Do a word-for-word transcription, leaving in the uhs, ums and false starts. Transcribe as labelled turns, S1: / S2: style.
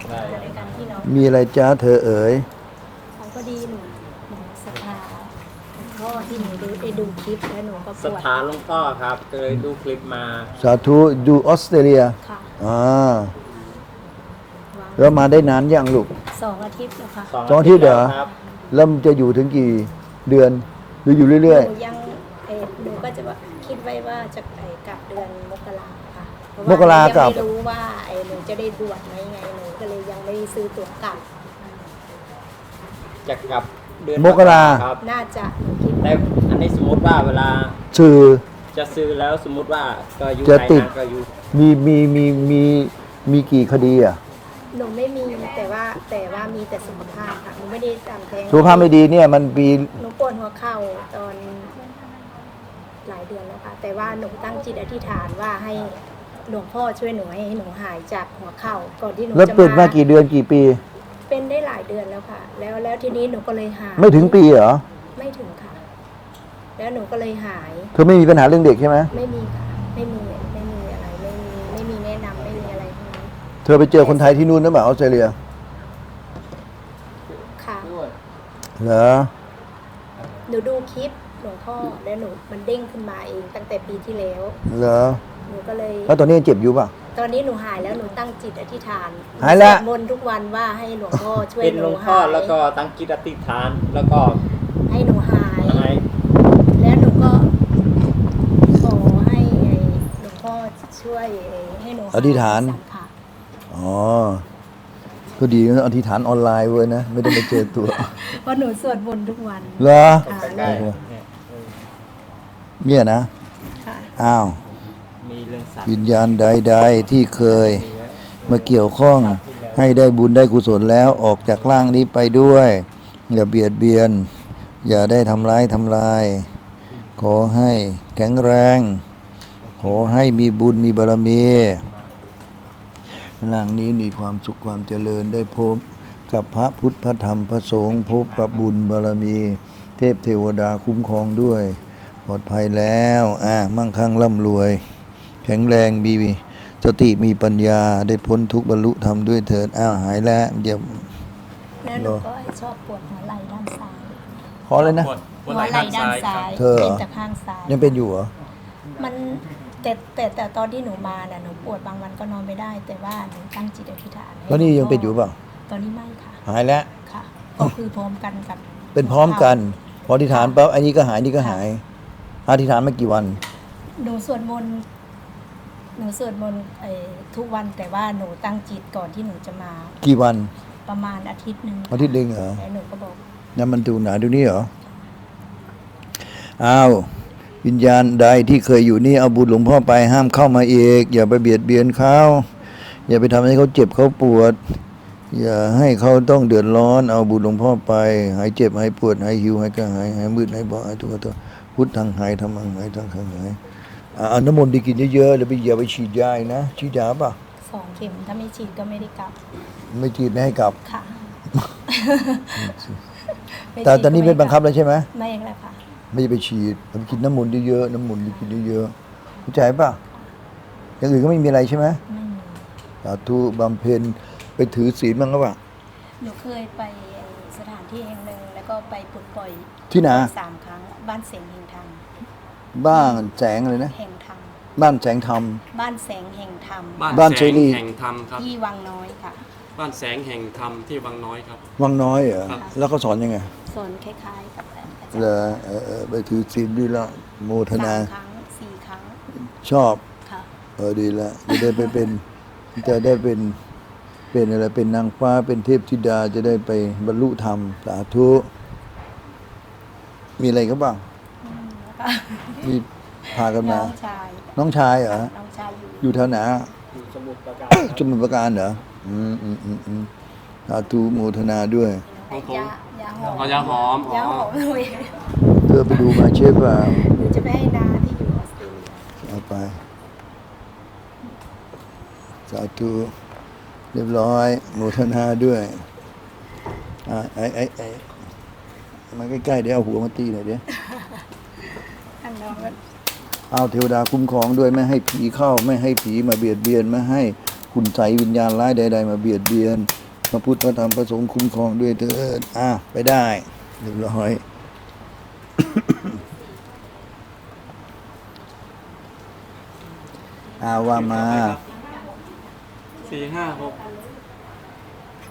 S1: ได้ในการที่น้อง
S2: มีอะไรจ้าเธอเอ๋ย
S1: เขาก็ดีหนูหนูศรัทธาหลวงพ่อที่หนูดูได้ดูคลิปแล้วหนูก็ป
S3: ศรัท
S1: วด
S3: ธาหลวงพ่อครับเคยดูคลิปมา
S2: สาธุดูออสเตรเลีย
S1: ค่ะ
S2: อ่าแล้วมาได้นานยังลูก
S1: สองอาทิตย์แล้วค่ะ
S2: สองอาทิตย์เหรอ
S3: ครับ
S2: แล้วมันจะอยู่ถึงกี่เดือนหรืออยู่เรื่อย
S1: หนูยังเออหนูก็จะว่าคิดไว้ว่าจะไปกลับเดือนมกราค่ะเพราะ
S2: ๆมกรา
S1: ยัง
S2: กับ
S1: ไม่รู้ว่าไอ้หนูจะได้บวชไหมไงหนูก็เลยยังไม่ได้ซื้อตั๋วกลับ
S3: จะกลับเดือน
S2: มกรา
S3: ครับ
S1: น่าจะหนูคิด
S3: แต่อันนี้สมมติว่าเวลา
S2: สื่อ
S3: จะซื้อแล้วสมมติว่าก็อยู่
S2: จะ
S3: ไหน
S2: ติด
S3: นะก็อยู่
S2: มีมีมีมีมีกี่คดีอ่ะ
S1: หนูไม่มีแต่ว่าแต่ว่ามีแต่สุขภาพค่ะหนูไม่ได้ตามแท้ง
S2: สุขภาพไม่ดีเนี่ยมันปี
S1: หนูปวดหัวเข่าตอนหลายเดือนแล้วค่ะ แต่ว่าหนูตั้งจิตอธิษฐานว่าให้หลวงพ่อช่วยหนูให้หนูหายจากหัวเข่าก่อนที่หนู
S2: แล้ว
S1: จะ
S2: เป็นมา
S1: มา
S2: กี่เดือนกี่ปี
S1: เป็นได้หลายเดือนแล้วค่ะ แล้วแล้วทีนี้หนูก็เลยหาย
S2: ไม่ถึงปีเหรอ
S1: ไม่ถึงค่ะ แล้วหนูก็เลยหาย
S2: เธอไม่มีปัญหาเรื่องเด็กใช่ไหม
S1: ไม่มีค่ะ ไม่มีไม่มีอะไรไม่มีไม่มีแนะนำไม่มีอะไรทั้งนั้น
S2: เธอไปเจอคนไทยที่นู่นหรือเปล่าออสเตรเลีย
S1: ค่ะ
S2: เหรอ
S1: หนูดูคลิปหลวงพ่อแล้วหนูมันเด้งขึ้นมาเองตั้งแต่ปีที่แล้ว
S2: เหรอ
S1: หนูก็เลย
S2: แล้วตอนนี้ยังเจ็บอยู่ป่ะ
S1: ตอนนี้หนูหายแล้วหนูตั้งจิตอธิษฐาน
S2: หายแล้ว
S1: สวดมนต์ทุกวันว่าให้หลวงพ่อช่วย
S3: เป็น
S1: ห
S3: หล
S1: นู
S3: วงพ่อ
S1: หาย
S3: แล้วก็ตั้งจิตอธิษฐานแล้วก็
S1: ให้หนูหาย
S3: ให้
S1: แล้วหนูก็ขอให้ไอ้หลวงพ่อช่วยให้หนูหย
S2: อธิษฐาน
S1: สังขาร
S2: อ๋อ ก็ดีนะอธิษฐานออนไลน์เว้ยนะ ไม่ได้มาเจอตัว
S1: เพราะหนูสวดมนต์ทุกวัน
S2: เหรอ
S1: ค่ะ
S3: ใกล้ๆเนี่ยเออ
S2: เนี่ยนะ
S1: ค่ะ
S2: อ้าว
S3: มีเรื่องสัตว์
S2: วิญญาณใดๆที่เคยมาเกี่ยวข้องให้ได้บุญได้กุศลแล้วออกจากร่างนี้ไปด้วย อย่าเบียดเบียน อย่าได้ทำร้ายทำลาย ขอให้แข็งแรง ขอให้มีบุญมีบารมีร่างนี้มีความสุขความเจริญได้พบกับพระพุทธพระธรรมพระสงฆ์พบกับบุญบารมี เทพเทวดาคุ้มครองด้วย ปลอดภัยแล้วอ่ามั่งคั่งร่ำรวย แข็งแรงมีสติมีปัญญาได้พ้นทุกข์บรรลุธรรมด้วยเถิดอ้าวหายแล้วเดี๋ยว
S1: แล้วหนูก็ชอบปวดหัวไหล่ด้านซ้าย
S2: ขอเลยนะ
S4: ปวดปวด
S1: หั
S4: ไห
S1: ว
S4: ล่
S1: ไหล่
S4: ด้าน
S1: ด้าน
S4: ซ้าย
S1: ซ้าย
S2: เธอเหรอ
S1: เป็นจากข้างซ้าย
S2: ยังเป็นอยู่เหรอ
S1: มันแต่แต่แต่ตอนที่หนูมาน่ะหนูปวดบางวันก็นอนไม่ได้ แต่ว่าหนูตั้งจิตอธิษฐานให้
S2: แล้วนี่ยังเป็นอยู่เปล่า
S1: ตอนนี้ไม่ค่ะ
S2: หายแล้ว
S1: ค่ะ ก็คือพร้อมกันกับ
S2: เป็นพร้อมกัน พออธิษฐานปั๊บอันนี้ก็หายนี่ก็หาย อธิษฐานมากี่วัน
S1: หนูสวดมนต์หนูสวดมนต์เอ่อทุกวันแต่ว่าหนูตั้งจิตก่อนที่หนูจะมา
S2: กี่วัน
S1: ประมาณอาทิตย์หนึ่ง
S2: อาทิตย์หนึ่งเหรอ
S1: แล้วหนูก็บอก
S2: นั่นมันดูหนาดูนี่เหรอ อ้าว วิญญาณใดที่เคยอยู่นี่เอาบุญหลวงพ่อไปห้ามเข้ามาอีก อย่าไปเบียดเบียนเขาอย่าไปทำให้เขาเจ็บเขาปวด อย่าให้เขาต้องเดือดร้อน เอาบุญหลวงพ่อไป หายเจ็บหายปวดหายหิวหายกระหายหายมืดหายบอดหายทุกข์ตัวพุทธังหายธรรมังหายทางขังหายอ่าเอาน้ำมนต์ดีกินเยอะๆแล้วไปอย่าไปฉีดยาอีกนะฉีดยาป่ะ
S1: สองเข็มถ้าไม่ฉีดก็ไม่ได้กลับ
S2: ไม่ฉีดไม่ให้กลับ
S1: ค่ะ
S2: แต่ตอนนี้ไม่บังคับแล้วใช่ไหม
S1: ไม่แล้วค่ะ
S2: ไม่ไปฉีดไปกินน้ำมนต์เยอะๆน้ำมนต์กินเยอะๆเข้าใจป่ะอย่างอื่นก็ไม่มีอะไรใช่ไหม
S1: ไม่มี
S2: สาธุบำเพ็ญไปถือศีลบ้างก็ป่ะ
S1: หนูเคยไปสถานที่แห่งหนึ่งแล้วก็ไปปลดปล่อย
S2: ที่ไหน
S1: สามครั้งบ้านแสงแห่งธรรม
S2: บ้านแสงอะไรนะ
S1: แห่งธรรม
S2: บ้านแสงธรรม
S1: บ้านแสงแห่งธรรม
S2: บ้าน
S4: แส
S2: เสรี
S4: งแห่งธรรมครับ
S1: ที่วังน้อยค่ะ
S4: บ้านแสงแห่งธรรมที่วังน้อยครับ
S2: วังน้อยเหรอ
S4: ครับ
S2: แล้วเขาสอนยังไง
S1: สอนคล้ายๆกับอาจาร
S2: เหร
S1: ย์
S2: อเออเออไปถือศีลดีละโมท
S1: สา
S2: นา
S1: มครั้งสี่ครั้ง
S2: ชอบ
S1: ค่ะ
S2: เออดีละจะได้ไปเป็นจะได้เป็นเป็นอะไรเป็นนางฟ้าเป็นเทพธิดาจะได้ไปบรรลุธรรมสาธุมีอะไรก็บ้าง
S1: อืมแล้วก็
S2: มีพากันมา
S1: น้องชาย
S2: น้องชายเหรอ
S1: น้องชายอยู่
S2: อยู่แถวไหน
S3: อยู่สมุทรปราการ
S2: สมุทรปราการเหรออืมอืมอืมอืมสาธุโมทนาด้วย
S4: ของผม
S1: ยายาหอม
S4: อ๋อยาหอมอ๋
S1: ยาห
S4: อ
S1: อมเลย
S2: เธอไปดูมาเชฟเปล่า
S1: หนูจะไปให้นาที่อยู่ออสเตรเลีย
S2: เอาไปสาธุเรียบร้อยโมทนาด้วยอ่าไอ้ไอ้ไอ้มาใกล้ๆเดี๋ยวเอาหัวมาตีหน่อยเดี๋ยว
S1: อันน้องก็
S2: เอาเทวดาคุ้มครองด้วยไม่ให้ผีเข้า ไม่ให้ผีมาเบียดเบียนไม่ให้คคุณใสยวิญญาณร้ายใดๆมาเบียดเบียนพระพุทธพระธรรมพระสงฆ์คุ้มครองด้วยเถิดอ่ะไปได้เรียบร้อย อาว่ามา
S4: สี่ห้าหก